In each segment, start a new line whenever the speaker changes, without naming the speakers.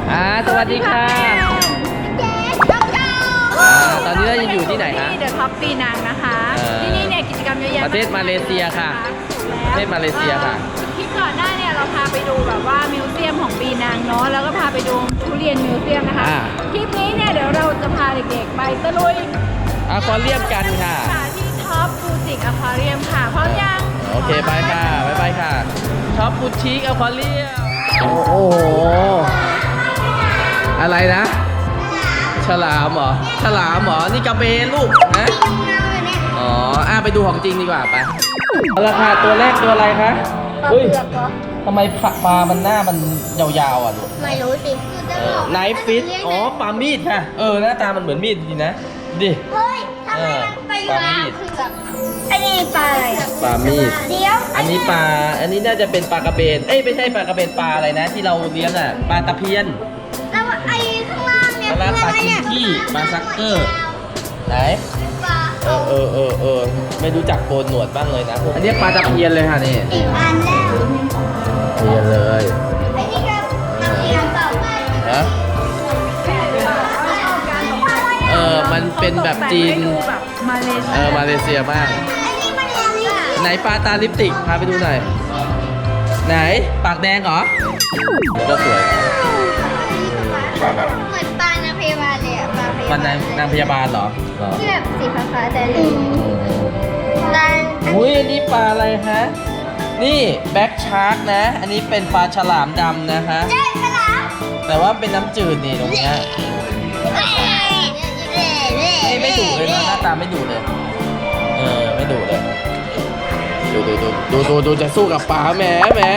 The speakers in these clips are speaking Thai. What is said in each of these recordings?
สวัสดีค่ะตอนนี้เราจะอยู่ที่ไหนคะ
ที่เดอะท็อปปีนังนะคะที่นี่เนี่ยกิจกรรมเยอะแยะ
ประเทศมาเลเซียค่ะประเทศมาเลเซียค่ะ
คลิปก่อนหน้าเนี่ยเราพาไปดูแบบว่ามิวเซียมของปีนังเนาะแล้วก็พาไปดูทุเรียนมิวเซียมนะคะคลิปนี้เนี่ยเดี๋ยวเราจะพาเด็กๆไปตะลุย
อควาเรียมกันค่ะ
ที่ท็อปบูติกอควาเรียมค่ะพร้อมยัง
โอเคไปค่ะไปค่ะท็อปบูติกอควาเรียมโอ้โหอะไรนะฉลามเหรอฉลามเหรอนี่กระเบนลูกนะอ๋อไปดูของจริงดีกว่าไปราคาตัวแรกตัวอะไรคะเฮ้ยทำไมปลามันหน้ามันยาวๆอ่ะลูก
ไม่รู้สิ
ไนฟ์ฟิชอ๋อปลามีดค่ะหน้าตามันเหมือนมีดจริงนะดิ
เฮ้ยทำไมมันไปอยู่แล้วอันนี้ปลาอะไร
ปลามีด
เดี๋ยว
อันนี้ปลาอันนี้น่าจะเป็นปลากระเบนไม่ใช่ปลากระเบนปลาอะไรนะที่เราเลี้ยงอ่ะปลาตะเพียน
แล้วไอ้ข้างล่างเนี่ย
ปลากินขี้ปลาซักเกอร์ไหนไม่รู้จักโกนหนวดบ้างเลยนะอันนี้ปลาตะเพียนเลยค่ะนี่
อีกอันแล้ว
เพียนเลย
อันนี้ก็ตะเพียนต่อไป
นะมันเป็นแบบจีนมาเลเซียมากไหนปลาตาลิปติกพาไปดูหน่อยไหนปากแดงเหรอก็สวยนะ
เหมือนปลานางพยาบาลเลยอะ
ปลานางพยาบาลเหรอ
ที่แบบสีฟ้าๆแต่เหลือง
อุ้ยอันนี้ปลาอะไรฮะนี่แบ็กชาร์กนะอันนี้เป็นปลาฉลามดำนะฮะ
ฉลาม
แต่ว่าเป็นน้ำจืดนี่ตรงนี้ไม่ดุเลยนะหน้าตาไม่ดุเลยไม่ดุเลยดูจะสู้กับปลาแหม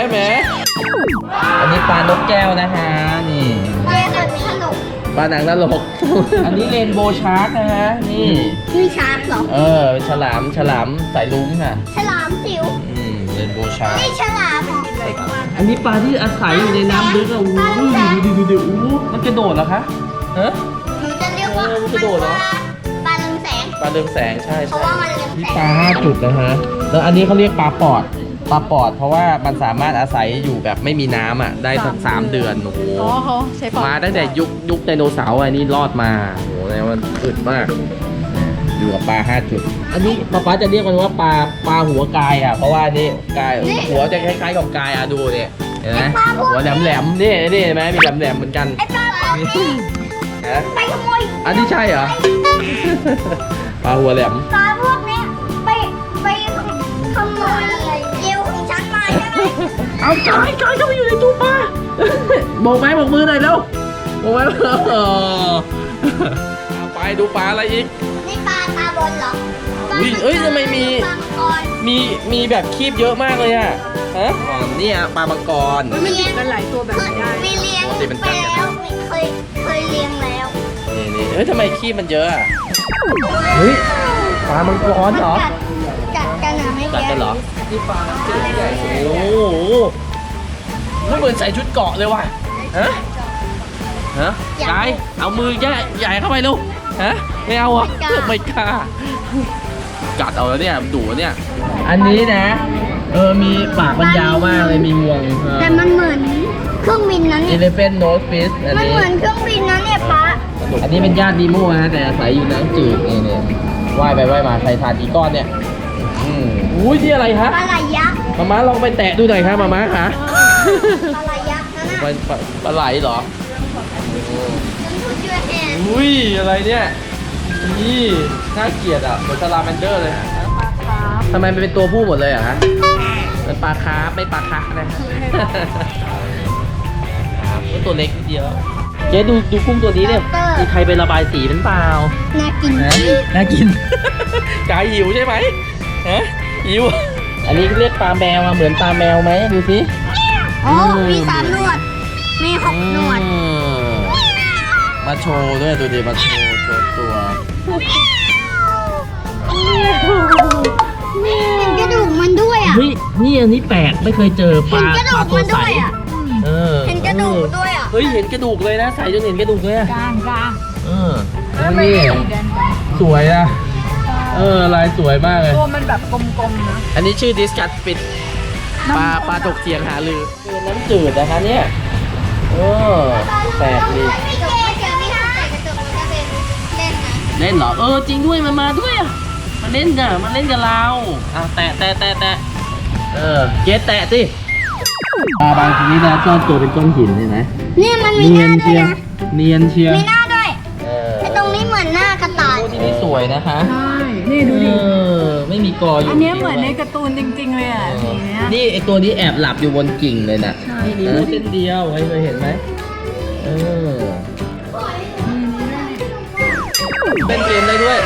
อันนี้ปลานกแก้วนะฮะนี่ปลาหนังตลกอันนี้เรนโบว์ชาร์กนะฮะนี่
มีชาร์กเหรอ
เป็นฉลามสายลุ้งค่ะ
ฉลามจิ๋ว
เรนโบว์ชาร์ก
นี่ฉลาม
อันนี้ปลาที่อาศัยอยู่ในน้ำลึกอ่ะดูมันกระโดดเหรอคะ
หนูจะเรียกว่า
มันกระโดดเหรอ
ปลาเรืองแสง
ใช่
เพราะว่ามันเรืองแสง
ปลา5 จุดนะฮะแล้วอันนี้เขาเรียกปลาปอดเพราะว่ามันสามารถอาศัยอยู่แบบไม่มีน้ำได้สัก3 เดือนโอ้โหมาตั้งแต่ยุคไดโนเสาร์อันนี้รอดมาโอ้โหมันอึดมากอยู่กับปลา5 จุดอันนี้ป๊าจะเรียกมันว่าปลาหัวกายอ่ะเพราะว่านี่กายหัวจะคล้ายๆกับกายดูเนี่ยเห็นไหมหัวแหลมนี่เห็นไหมมีแหลมเหมือนกัน
ไอ้ปลาพวกนี้ไปขโมย
อันนี้ใช่เหรอปลาหัวแหลม
ปลาพวกนี้ไปขโมยเยี่ยวของฉันมาใช่ไหม
เอากายเข้าไปอยู่ในตู้ปลาโบกมือหน่อยเร็วโบกไปดูปลาอะไรอีก
นี่ปลาตาบนเหรอ
ทำไมมีแบบคีบเยอะมากเลยอะนี่ปลามังกร
มันติดกันหลายตัวแบบนี้ได้
มีเลี้ยงไปแล้วเคยเลี้ยงแล้ว
นี่ทำไมคีบมันเยอะอะปลามังกรเหรอ
กัดกันไม่
กัดกันเหรอนี่ปลาใหญ่โอ้โหเหมือนใส่ชุดเกาะเลยว่ะกายเอามือใหญ่เข้าไปลูกไม่เอาอ่ะไม่กล้ากัดเอาแล้วเนี่ยดุเนี่ยอันนี้นะมีปากมันยาวมากเลยมีงวง
แต่มันเหมือนเครื่องบินนั้นเนี่ย
Elephant Nose Fish
มันเหมือนเครื่องบินนั้นเนี่ยป้า
อันนี้เป็นญาตินีโม่นะแต่อาศัยอยู่น้ำจืดนี่ว่ายไปว่ายมาใส่ถาดอีก้อนเนี่ยอุ้ยที่อะไรคะ
ปลาไหลยักษ์
มาลองไปแตะดูหน่อยครับมาคะ
ปลาไหลยักษ์นั่นน่ะ
ปลาไหลเหรออุ้ยอะไรเนี่ยนี่น่าเกลียดอ่ะเหมือนซาลาแมนเดอร์เลยทำไมมันเป็นตัวผู้หมดเลยอ่ะฮะเป็นปลาคาร์ฟไม่ปลาคาร์ฟนะตัวเล็กนิดเดียวเจ๊ดูกุ้งตัวนี้เนี่ยมีใครไประบายสีเป็นเปล่า
น่ากิน
น่ากินกายหิวใช่ไหมหิวอันนี้เรียกปลาแมวเหมือนปลาแมวไหมดูสิ
มี3 หนวดมี6 หนวด
มาโชว์ด้วยดูดิมาโชว์ตัว
เห็นกระดูกมันด้วยอ่ะ
นี่อันนี้แปลกไม่เคยเจอปลา
ตัวใสเห็นกระดูกด้วยอ่ะ
เห็นกระดูกเลยนะใส่จนเห็นกระดูกเลย
กลาง
นี่สวยอ่ะลายสวยมากเลย
ตัวมันแบบกลมๆนะ
อันนี้ชื่อดิสกัสฟิตปลาตกเถียงหาลือน้ำจืดนะคะเนี่ย
ปลา
แปลกดี
พี่เจเดี๋ยวพี่ใส่กระจกมันจะเป็นเล่นนะ
เล่นเหรอ จริงด้วยมันมาด้วยอ่ะมันเล่นกับเราแตะเกสแตะสิปลาบางชนิดนะซ่อนตัวเป็นก้อนหินใช่ไหม
เนี่ยมันมีหน้าด้วยนะ
เนียนเชียว
มีหน้าด้วยไอ้ตรงนี้เหมือนหน้ากระต่าย
โอ้ที่นี่สวยนะคะ
ใช่ นี่ดูดิ
ไม่มีกออยู่
อันเนี้ยเหมือนในการ์ตูนจริง ๆ เลยอ่ะสีเนี้ย
นี่ไอตัวนี้แอบหลับอยู่บนกิ่งเลยนะ
ใช่
นี่นิ้วเส้นเดียวเคยเห็นไหมเป็นเกมได้ด้วย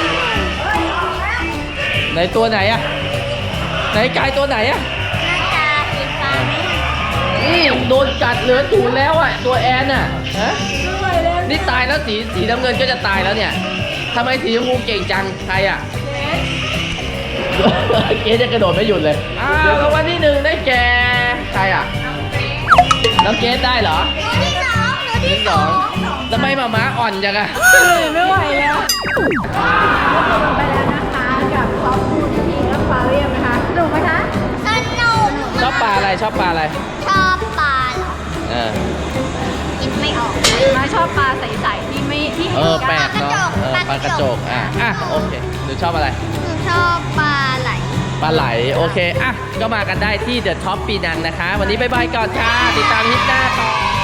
ไหนตัวไหนอะไหนกายตัวไหนอะ
หน้าตาสีฟ้าไหม
นี่โดนกัดเหลือศูนย์แล้วอะตัวแอนอะฮะนี่ตายแล้วสีน้ำเงินก็จะตายแล้วเนี่ยทำไมสีชมพูเก่งจังใครอะ เกสจะกระโดดไม่หยุดเลยรางวัลที่หนึ่งได้แก่ใครอะน้องเกสได้เหรอ
หนูที่สองหนูที่
ที่สองทำไมหมาม้าอ่อนจังอะ
ไม่ไหวแล้วจบไปแล้วนะคะกับซอฟต์ฟู้ดที่และฟาเรียมนะคะสนุกไหมคะ
สนุก
ชอบปลาอะไรชอบปลาอะไร
ชอบปลาเหรอ
เออ
คิดไม่ออก
มาชอบปลาใสๆที่ไม่ที่
เอ
เห็น
อแปลกเนาะ
ปลากระจก
ปลากระจกโอเคหนูชอบอะไร
หนูชอบปลาไหล
ปลาไหลโอเคก็มากันได้ที่เดอะท็อปปีนังนะคะ วันนี้บ๊ายบายก่อนค่ะติดตามคลิปหน้าต่อ